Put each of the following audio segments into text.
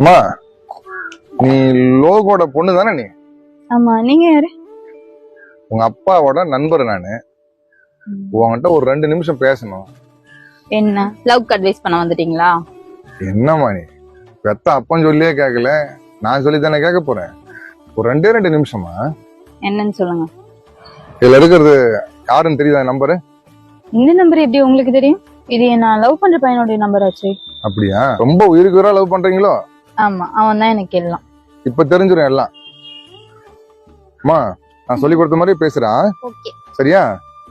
அம்மா, நீ லோகோட பொண்ணு தானே? நீ ஆமா. நீங்க யாரு? உங்க அப்பாவோட நண்பர் நானு. உங்ககிட்ட ஒரு 2 நிமிஷம் பேசணும். என்ன லவ் அட்வைஸ் பண்ண வந்துட்டீங்களா? என்னம்மா நீ பெத்த அப்பன் சொல்லியே கேட்கல, நான் சொல்லி தானே கேட்க போறேன். ஒரு 2 நிமிஷமா? என்னன்னு சொல்லுங்க. இதுல இருக்கிறது யாருன்னு தெரியுதா நம்பரு? இந்த நம்பர் எப்படி உங்களுக்கு தெரியும்? இது நான் லவ் பண்ற பையனுடைய நம்பர் ஆச்சு. அப்படியா? ரொம்ப உயிருக்கு உயிரா லவ் பண்றீங்களோ? ஆமா, அவன் தான் எனக்கு எல்லாம். இப்ப தெரிஞ்சிடும் எல்லாம். அம்மா, நான் சொல்லி கொடுத்த மாதிரி பேசுறான். ஓகே. சரியா?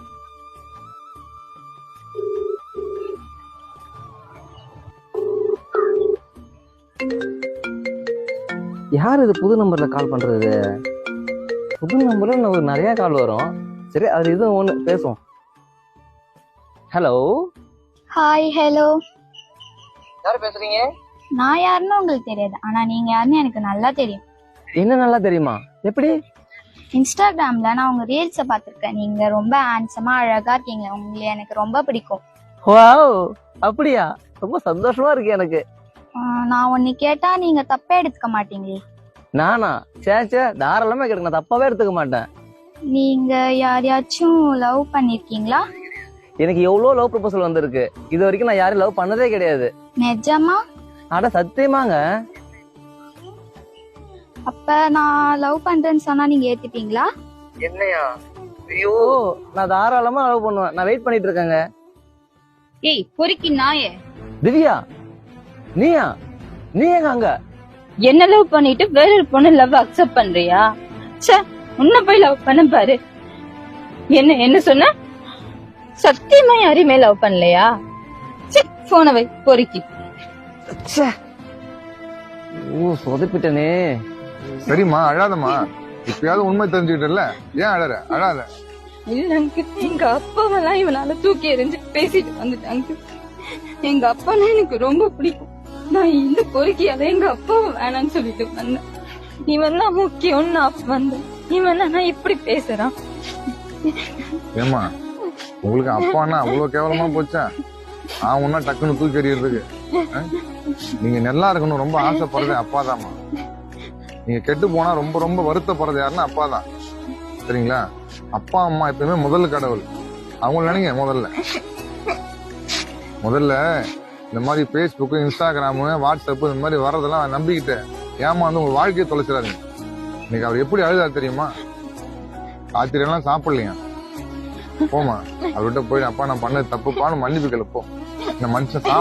யார் இது புது நம்பர்ல கால் பண்றது? புது நம்பர்ல நமக்கு நிறைய கால் வரும். சரி, அது இது ஒண்ணு பேசுவோம். ஹலோ. ஹாய். ஹலோ. யார் பேசுறீங்க? நான் யாருன்னு உங்களுக்கு தெரியாது, ஆனா நீங்க யாருன்னு எனக்கு நல்லா தெரியும். என்ன நல்லா தெரியுமா? எப்படி? இன்ஸ்டாகிராம்ல நான் உங்க ரீல்ஸை பார்த்திருக்கேன். நீங்க ரொம்ப ஹேண்ட்ஸமா அழகா இருக்கீங்க. உங்களை எனக்கு ரொம்ப பிடிக்கும். வாவ், அப்படியா? ரொம்ப சந்தோஷமா இருக்கு எனக்கு. நான் ஒன்னு கேட்டா நீங்க தப்பே எடுத்துக்க மாட்டீங்களே? நானா? சே, தாராளமா கேட்க, நான் தப்பாவே எடுத்துக்க மாட்டேன். நீங்க யாரையாச்சும் லவ் பண்ணிருக்கீங்களா? எனக்கு எவ்வளவு லவ் ப்ரொபோசல் வந்திருக்கு. இது வரைக்கும் நான் யாரையும் லவ் பண்ணதே கிடையாது. நிஜமா? அட சத்தியமாங்க. அப்ப நான் லவ் பண்றேன்னு சொன்னா நீங்க ஏத்துப்பீங்களா? என்னையா? ஐயோ, நான் தாராளமா லவ் பண்ணுவேன். நான் வெயிட் பண்ணிட்டு இருக்கேங்க. ஏய் பொறுக்கி நாயே. திவ்யா, நீயா? நீ எங்க அங்க? என்ன லவ் பண்ணிட்டு வேற ஒரு பொண்ணு லவ் அக்செப்ட் பண்றியா? ச்சே, உன்ன போய் லவ் பண்ண பாரு. என்ன சொன்ன? சத்தியமா யாரையுமே லவ் பண்ணலையா? போன வை பொறுக்கி. ச்சே. ஓ, சொதப்பிட்டனே. சரிம்மா, அழாதம்மா. இப்பயாவது உண்மை தெரிஞ்சுக்கிட்டல, ஏன் அழற? அழாத. இல்ல அங்கிள், எங்க அப்பாவெல்லாம் இவனால தூக்கி எறிஞ்சு பேசிட்டு வந்துட்டாங்க. எங்க அப்பானா எனக்கு ரொம்ப பிடிக்கும். நான் இந்த பொறுக்கியால எங்க அப்பாவை வேணான்னு சொல்லிட்டு வந்தேன். இவன் தான் முக்கியம்னு நான் வந்தேன். இவன் நான் இப்படி பேசுறான். ஏமா, உங்களுக்கு அப்பான்னா அவ்வளவு கேவலமா போச்சா? நான் ஒன்னா டக்குன்னு தூக்கி எறியறதுக்கு. நீங்க நல்லா இருக்கணும் ரொம்ப ஆசைப்படுறது அப்பாதாம்மா. நீங்க கெட்டு போனா ரொம்ப ரொம்ப வருத்தப்படுறது யாருன்னா அப்பாதான். சரிங்களா? அப்பா அம்மா எப்பயுமே முதல் கடவுள். அவங்க நினைங்க. முதல்ல இந்த மாதிரி பேஸ்புக், இன்ஸ்டாகிராமு, வாட்ஸ்அப் இந்த மாதிரி வர்றதெல்லாம் நம்பிக்கிட்டு ஏமாந்து உங்க வாழ்க்கையை தொலைச்சிடாதீங்க. இன்னைக்கு அவர் எப்படி அழுதா தெரியுமா? ராத்திரியெல்லாம் சாப்பிடலையா? போமா, அவர்கிட்ட போய் அப்பா நான் பண்ணது தப்புப்பான்னு மன்னிப்பு கேளு. போ. இந்த மனுஷன்